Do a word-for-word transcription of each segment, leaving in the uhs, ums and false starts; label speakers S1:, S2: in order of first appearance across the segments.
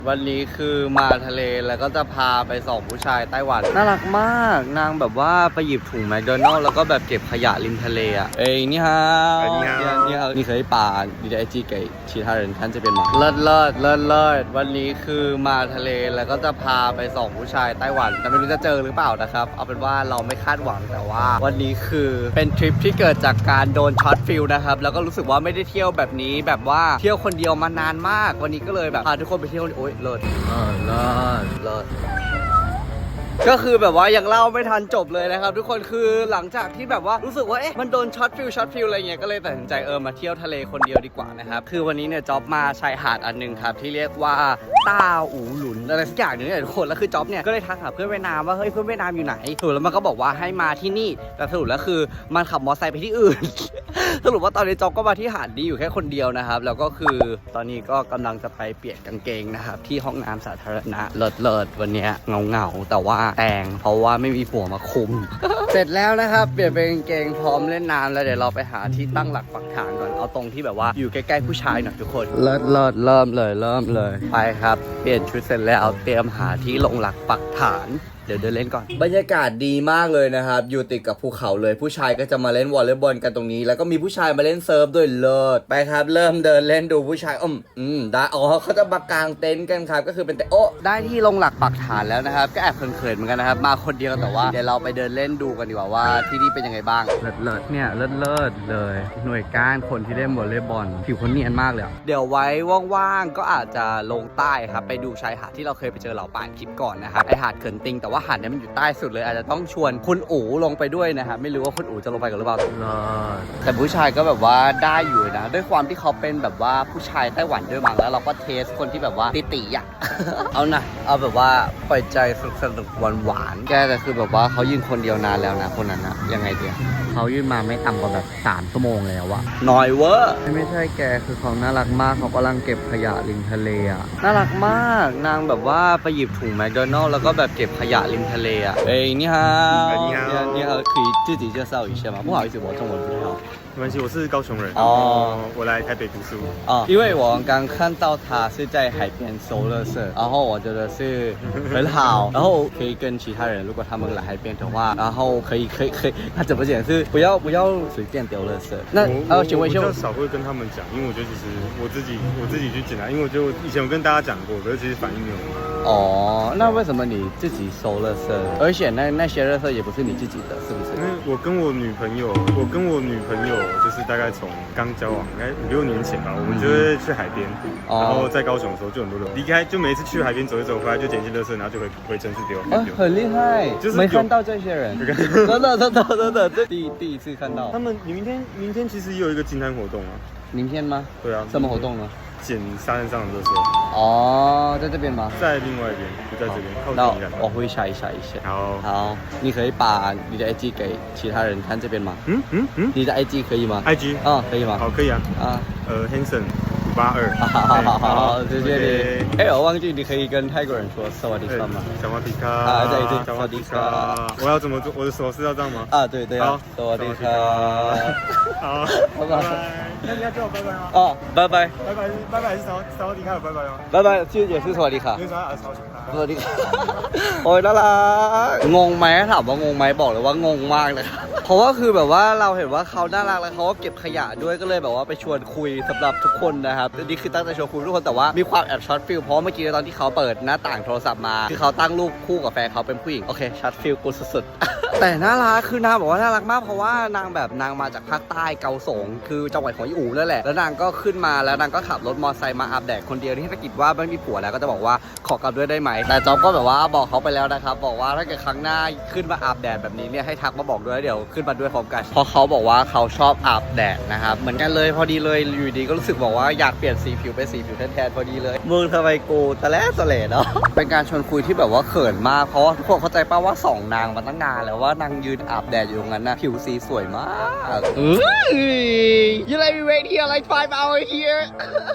S1: วันนี้คือมาทะเลแล้วก็จะพาไปส่องผู้ชายไต้หวันน่ารักมากนางแบบว่าไปหยิบถุงแมคโดนัลด์แล้วก็แบบเก็บขยะริมทะเลอ่ะเอ้ยนี่ฮะนี่ฮะนี่ฮะนี่เคยป่าดีไอจี给其他人看这边吗เลิศเลิศเลิศเลิศวันนี้คือมาทะเลแล้วก็จะพาไปส่องผู้ชายไต้หวันแต่ไม่รู้จะเจอหรือเปล่านะครับเอาเป็นว่าเราไม่คาดหวังแต่ว่าวันนี้คือเป็นทริปที่เกิดจากการโดนช็อตฟิลนะครับแล้วก็รู้สึกว่าไม่ได้เที่ยวแบบนี้แบบว่าเที่ยวคนเดียวมานานมากวันนี้ก็เลยแบบพาทุกคนไปเที่ยวโอ๊ยเลิศเออเลิศเลิศก็คือแบบว่ายังเล่าไม่ทันจบเลยนะครับทุกคนคือหลังจากที่แบบว่ารู้สึกว่าเอ๊ะมันโดนช็อตฟิลช็อตฟิลอะไรเงี้ยก็เลยตัดสินใจเออมาเที่ยวทะเลคนเดียวดีกว่านะครับคือวันนี้เนี่ยจ๊อบมาชายหาดอันนึงครับที่เรียกว่าต้าอูหลุนอะไรสักอย่างนึงเนี่ยทุกคนแล้วคือจ๊อบเนี่ยก็เลยทักหาเพื่อนเวียดนามว่าเฮ้ยเพื่อนเวียดนามอยู่ไหนสรุปแล้วมันก็บอกว่าให้มาที่นี่แต่สรุปแล้วคือมันขับมอเตอร์ไซค์ไปที่อื่น สรุปว่าตอนนี้จ๊อบก็มาที่หาดนี้อยู่แค่คนเดียวนะครับแล้วก็คือตอนนี้ก็กำลังจะไปเปลี่ยนกางเกงนะครับที่ห้องน้ำสาธารณะเลิศเลิศวันนี้เงาเงาแต่ว่าแต่งเพราะว่าไม่มีผัวมาคุม เสร็จแล้วนะครับเปลี่ยนเป็นกางเกงพร้อมเล่นน้ำแล้วเดี๋ยวเราไปหาที่ตั้งหลักปักฐานก่อนเอาตรงที่แบบว่าอยู่ใกล้ๆผู้ชายหน่อยทุกคนเลิศเลิศเริ่มเลยเริ่มเลยไปครับเปลี่ยนชุดเสร็จแล้วเตรียมหาที่ลงหลักปักฐานเดี๋ยวเดินเล่นก่อนบรรยากาศดีมากเลยนะครับอยู่ติดกับภูเขาเลยผู้ชายก็จะมาเล่นวอลเลย์บอลกันตรงนี้แล้วก็มีผู้ชายมาเล่นเซิร์ฟด้วยเลิศไปครับเริ่มเดินเล่นดูผู้ชายอืมอืมได้อ๋อเขาจะมากางเต็นท์กันครับก็คือเป็นแต่โอ้ได้ที่ลงหลักปักฐานแล้วนะครับก็แอบเขินๆเหมือนกันนะครับมาคนเดียวแต่ว่าเดี๋ยวเราไปเดินเล่นดูกันดีกว่าว่าที่นี่เป็นยังไงบ้างเลิศเลิศเนี่ยเลิศเลิศเลยหน่วยก้านคนที่เล่นวอลเลย์บอลผิวเขาเนียนมากเลยเดี๋ยวไว้ว่างๆก็อาจจะลงใต้ครับไปดูชายหาดที่เราเคยไปเจอเหล่าป่านคลิปก่อนนะครับไอหาดเขินติงแต่ว่าหาดนี้มันอยู่ใต้สุดเลยอาจจะต้องชวนคุณอู๋ลงไปด้วยนะครับไม่รู้ว่าคุณอู๋จะลงไปกันหรือเปล่าแต่ผู้ชายก็แบบว่าได้อยู่นะด้วยความที่เขาเป็นแบบว่าผู้ชายไต้หวันด้วยมั้งแล้วเราก็เทสคนที่แบบว่าติติอ่ะ เอานะเอาแบบว่าปล่อยใจสนุกสนุกหวานหวานแกแต่คือแบบว่าเขายืนคนเดียวนานแล้วนะคนนั้นนะยังไงเดียวเขายืนมาไม่ต่ำกว่าแบบสามชั่วโมงแล้วอะน้อยเวอร์ไม่ใช่แกคือเขาน่ารักมากเขากำลังเก็บขยะริมทะเลอะน่ารักมากนางแบบว่าไปหยิบถุงแมคโดนัลด์แล้วก็แบบเก็บขยะริมทะเลอะเอ้ยนี่ฮะนี่ฮะนี่ฮะ可以自己介绍一下吗不好意思我中文不太好
S2: 没关系，我是高雄人，
S1: 哦，
S2: 我来台北读书。
S1: 哦，因为我刚看到他是在海边收垃圾，然后我觉得是很好，然后可以跟其他人，如果他们来海边的话，然后可以可以可以，他怎么讲是不要不要随便丢垃圾。那呃，请问一下，
S2: 我比较少会跟他们讲，因为我觉得其实我自己我自己去捡啊，因为我就以前有跟大家讲过，可是其实反应没有很好。
S1: 哦，那为什么你自己收垃圾？而且那那些垃圾也不是你自己的，是不是？
S2: 因为我跟我女朋友，我跟我女朋友就是大概从刚交往，应该五六年前吧，我们就会去海边，
S1: 哦
S2: 然后在高雄的时候就很多人离开，就每一次去海边走一走回来就捡一些垃圾，然后就回回城市丢。
S1: 啊，很厉害，
S2: 就是
S1: 没看到这些人，真的真的真的，这第第一次看到。
S2: 他们，你明天明天其实也有一个净滩活动啊。
S1: 明天吗？
S2: 对啊。
S1: 什么活动呢？
S2: 捡沙滩上的垃圾。
S1: 哦，在这边吗？
S2: 在另外一边，不在这边，靠
S1: 那
S2: 近一点。
S1: 我会查一下一下。
S2: 好。
S1: 好，你可以把你的 I G 给其他人看这边吗？
S2: 嗯嗯嗯。
S1: 你的 I G 可以吗
S2: ？I G。
S1: 啊，可以吗？
S2: 好，可以啊。
S1: 啊。
S2: 呃 ，Hanson 五八二。
S1: 好好好好，谢谢你。哎，我忘记你可以跟泰国人说สวัสดีครับ吗？
S2: 小马皮卡。
S1: 啊，对对，
S2: 小马皮卡。我要怎么做？我的手势要这样吗？
S1: 啊，对对。好，สวัสดีครับ
S2: 好，拜拜。那你要叫我拜拜吗？
S1: 哦，拜拜。
S2: 拜拜是拜拜是สวัสดีครับ拜拜吗？
S1: 拜拜，就也是สวัสดีครับ
S2: 因为啥啊？สวัสดีครับ
S1: สวัสดีครับโอ้ยน่ารักงงไหมถามว่างงไหมบอกเลยว่างงมากเลยเพราะว่าคือแบบว่าเราเห็นว่าเขาน่ารักแล้วเขาก็เก็บขยะด้วยก็เลยแบบว่าไปชวนคุยสำหรับทุกคนนะครับนี่คือตั้งใจชวนคุยทุกคนแต่ว่ามีความแอบช็อตฟิลเพราะเมื่อกี้ตอนที่เขาเปิดหน้าต่างโทรศัพท์มาคือเขาตั้งรูปคู่กับแฟนเขาเป็นผู้หญิงโอเคช็อตฟิลกูสุดๆแต่น่ารักคือนางบอกว่าน่ารักมากเพราะว่านางแบบนางมาจากภาคใต้เกาสงคือจังหวัดของอีอูนั่นแหละแล้วนางก็ขึ้นมาแล้วนางก็ขับรถมอเตอร์ไซค์มาอาบแดดคนเดียวที่ถ้ากิจว่าไม่มีผัวแล้วก็จะบอกว่าขอกลับด้วยได้ไหมแต่จ๊อบก็แบบว่าบอกเขาไปแล้วนะครับบอกว่าถ้าเกิดครั้งหน้าขึ้นมาอาบแดดแบบนี้เนี่ยให้ทักมาบอกด้วยเดี๋ยวขึ้นมาด้วยพร้อมกันเพราะเขาบอกว่าเขาชอบอาบแดดนะครับเหมือนกันเลยพอดีเลยอยู่ดีก็รู้สึกบอกว่าอยากเปลี่ยนสีผิวเป็นสีผิวแทนๆพอดีเลยมึงทำไมกูตะแลสะเลเนาะเป็นการชวนคุยที่แบบว่าเขินมากเพราะทุกคนเข้าใจป่ะว่าสองนางมาตั้งนานแล้วว่านางยืนอาบแดดอยู่ตรงนั้นนะผิวสีสวยมากเอ้ย You let me wait here like five hours here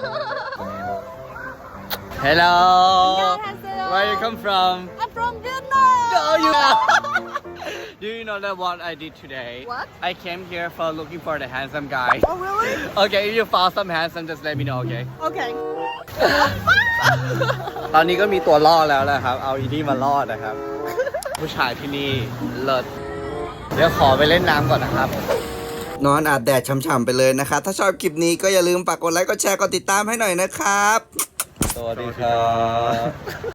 S1: Hello Where you come from
S3: I'm from Vietnam.
S1: Oh you Do you know that what I did today?
S3: What?
S1: I came here for looking for the handsome guy.
S3: Oh really?
S1: Okay, if you found some handsome, just let me know, okay?
S3: Okay.
S1: ตอนนี้ก็มีตัวล่อแล้วนะครับ เอาอีนี่มาล่อนะครับ ผู้ชายที่นี่เลิศเดี๋ยวขอไปเล่นน้ำก่อนนะครับ นอนอาบแดดช่ำๆไปเลยนะครับ ถ้าชอบคลิปนี้ก็อย่าลืมฝากกดไลค์ กดแชร์ กดติดตามให้หน่อยนะครับ สวัสดีครับ